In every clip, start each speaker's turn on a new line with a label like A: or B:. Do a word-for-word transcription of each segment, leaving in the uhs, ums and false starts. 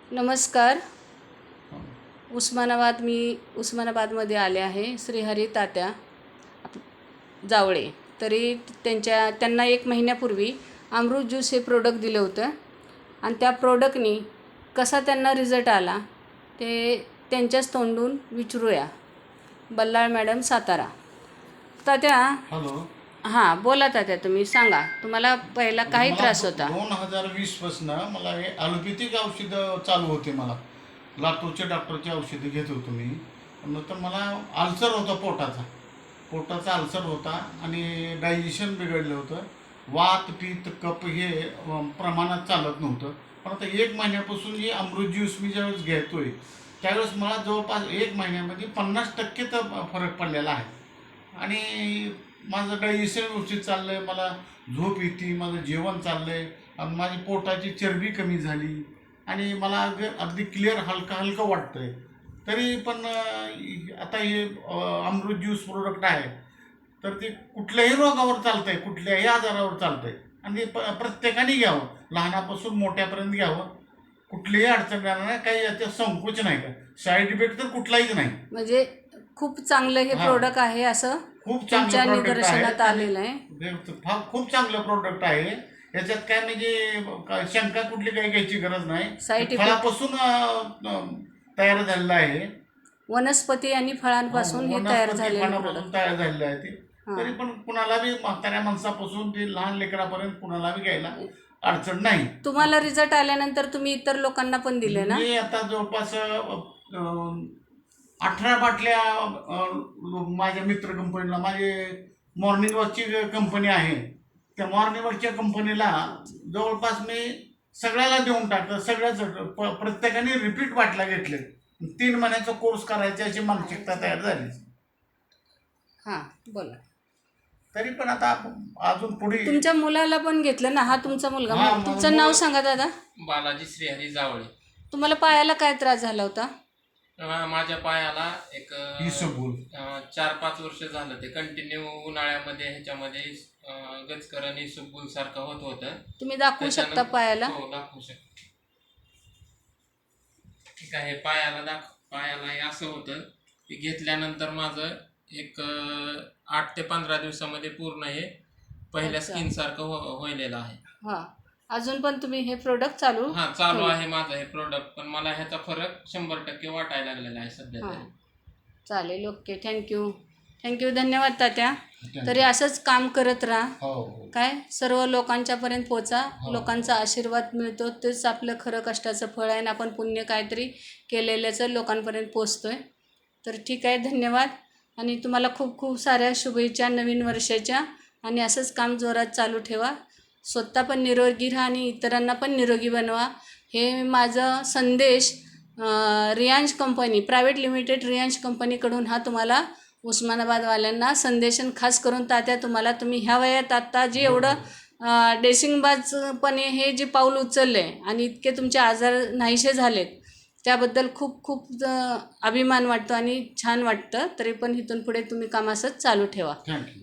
A: नमस्कार. उस्मानाबाद मी उस्मानाबादमध्ये आले आहे. श्रीहरी तात्या जावळे. तरी त्यांच्या त्यांना एक महिन्यापूर्वी अमृत ज्यूस हे प्रोडक्ट दिलं होतं आणि त्या प्रोडक्टनी कसा त्यांना रिझल्ट आला ते त्यांच्याच तोंडून विचारूया. बल्लाळ मॅडम, सातारा. तात्या.
B: हॅलो.
A: हां, बोला तात्या, तुम्ही सांगा. तुम्हाला पहिला काही त्रास होता?
B: दोन हजार वीस पासून मला हे ॲलोपॅथिक औषधं चालू होते. मला लातूरच्या डॉक्टरची औषधं घेत होतो मी. नंतर मला अल्सर होता, पोटाचा पोटाचा अल्सर होता आणि डायजेशन बिघडलं होतं. वात पित्त कप हे प्रमाणात चालत नव्हतं. पण आता एक महिन्यापासून हे अमृत ज्यूस मी ज्यावेळेस घेतोय त्यावेळेस मला जवळपास एक महिन्यामध्ये पन्नास टक्के तर फरक पडलेला आहे. आणि माझं डायजेशन व्यवस्थित चाललं आहे, मला झोप येते, माझं जेवण चाललं आहे आणि माझी पोटाची चरबी कमी झाली आणि मला अग अगदी क्लिअर हलकं हलकं वाटतं आहे. तरी पण आता हे अमृत ज्यूस प्रोडक्ट आहे तर ते कुठल्याही रोगावर चालतं आहे, कुठल्याही आजारावर चालतं आहे आणि प प्रत्येकाने घ्यावं, लहानापासून मोठ्यापर्यंत घ्यावं. कुठलीही अडचण येणार नाही, काही याच्यात संकोच नाही, का साईड इफेक्ट तर कुठलाहीच नाही.
A: म्हणजे खूप चांगलं हे प्रोडक्ट आहे असं
B: खूप चांगलं प्रोडक्ट
A: निदर्शनात आलेलं आहे.
B: खूप चांगलं प्रोडक्ट आहे. याच्यात काय म्हणजे शंका कुठली काही घ्यायची गरज नाही. फळापासून तयार झालेलं आहे,
A: वनस्पती आणि फळांपासून हे तयार झालेलं
B: तयार झालेलं आहे ते. तरी पण कुणाला बी म्हाताऱ्या माणसापासून ते लहान लेकरापर्यंत कुणाला बी घ्यायला अडचण नाही.
A: तुम्हाला रिझल्ट आल्यानंतर तुम्ही इतर लोकांना पण दिले ना?
B: मी आता जवळपास अठरा बाटल्या माझ्या मित्र कंपनीला, माझे मॉर्निंग वॉकची कंपनी आहे, त्या मॉर्निंग वॉकच्या कंपनीला जवळपास मी सगळ्याला देऊन टाकलं. सगळ्याच प्रत्येकाने रिपीट बाटल्या घेतले. तीन महिन्याचा कोर्स करायची अशी मानसिकता तयार झाली.
A: हां, बोला.
B: तरी पण आता अजून पुढे
A: तुमच्या मुलाला पण घेतलं ना? हा तुमचा मुलगा. तुमचं नाव सांगा दादा.
C: बालाजी श्रीहरी जावळे.
A: तुम्हाला पायाला काय त्रास झाला होता?
C: माझ्या पायाला एक
B: इसबगोल
C: चार पाच वर्ष झालं ते कंटिन्यू उन्हाळ्यामध्ये ह्याच्यामध्ये गचकरण इसबगोल सारखं होत होतं.
A: तुम्ही दाखवू शकता पायाला?
C: हो, दाखवू शकतो. ठीक आहे. पायाला दाख पायाला हे असं होतं की घेतल्यानंतर माझं एक आठ ते पंधरा दिवसामध्ये पूर्ण हे पहिल्या स्किन सारखं व्हायलेलं आहे.
A: हा, अजून पण तुम्ही हे प्रोडक्ट चालू?
C: हा, चालू आहे माझं हे प्रोडक्ट. पण मला ह्याचा फरक शंभर टक्के वाटायला लागलेला आहे सध्या तरी.
A: चालेल, ओके, थँक्यू थँक्यू धन्यवाद तात्या. तरी असंच काम करत राहा. काय सर्व लोकांच्यापर्यंत पोचा. लोकांचा आशीर्वाद मिळतो, तेच आपलं खरं कष्टाचं फळ आहे आणि आपण पुण्य काहीतरी केलेल्याचं लोकांपर्यंत पोचतोय. तर ठीक आहे, धन्यवाद आणि तुम्हाला खूप खूप साऱ्या शुभेच्छा नवीन वर्षाच्या. आणि असंच काम जोरात चालू ठेवा. स्वतः पण निरोगी राहा आणि इतरांना पण निरोगी बनवा. हे माझं संदेश Riyansh company private limited Riyansh कंपनीकडून हा तुम्हाला उस्मानाबादवाल्यांना संदेशन खास करून तात्या तुम्हाला. तुम्ही ह्या वयात आत्ता जे एवढं डेसिंगबाजपणे हे जे पाऊल उचललं आहे आणि इतके तुमचे आजार नाहीसे झालेत त्याबद्दल खूप खूप अभिमान वाटतो आणि छान वाटतं. तरी पण इथून पुढे तुम्ही काम असंच चालू ठेवा.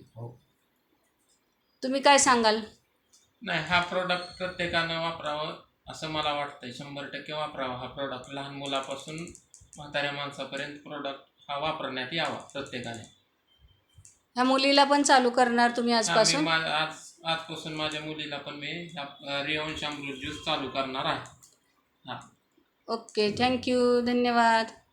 A: तुम्ही काय सांगाल?
C: नाही, हा प्रोडक्ट प्रत्येकानं वापरावं असं मला वाटतंय. शंभर टक्के वापरावा हा प्रोडक्ट. लहान मुलापासून म्हाताऱ्या माणसापर्यंत प्रोडक्ट हा वापरण्यात यावा प्रत्येकाने.
A: ह्या मुलीला पण चालू करणार तुम्ही आजपासून?
C: आज आजपासून माझ्या मुलीला पण मी ह्या रियांश अमृत ज्यूस चालू करणार आहे. हां,
A: ओके, थँक्यू, धन्यवाद.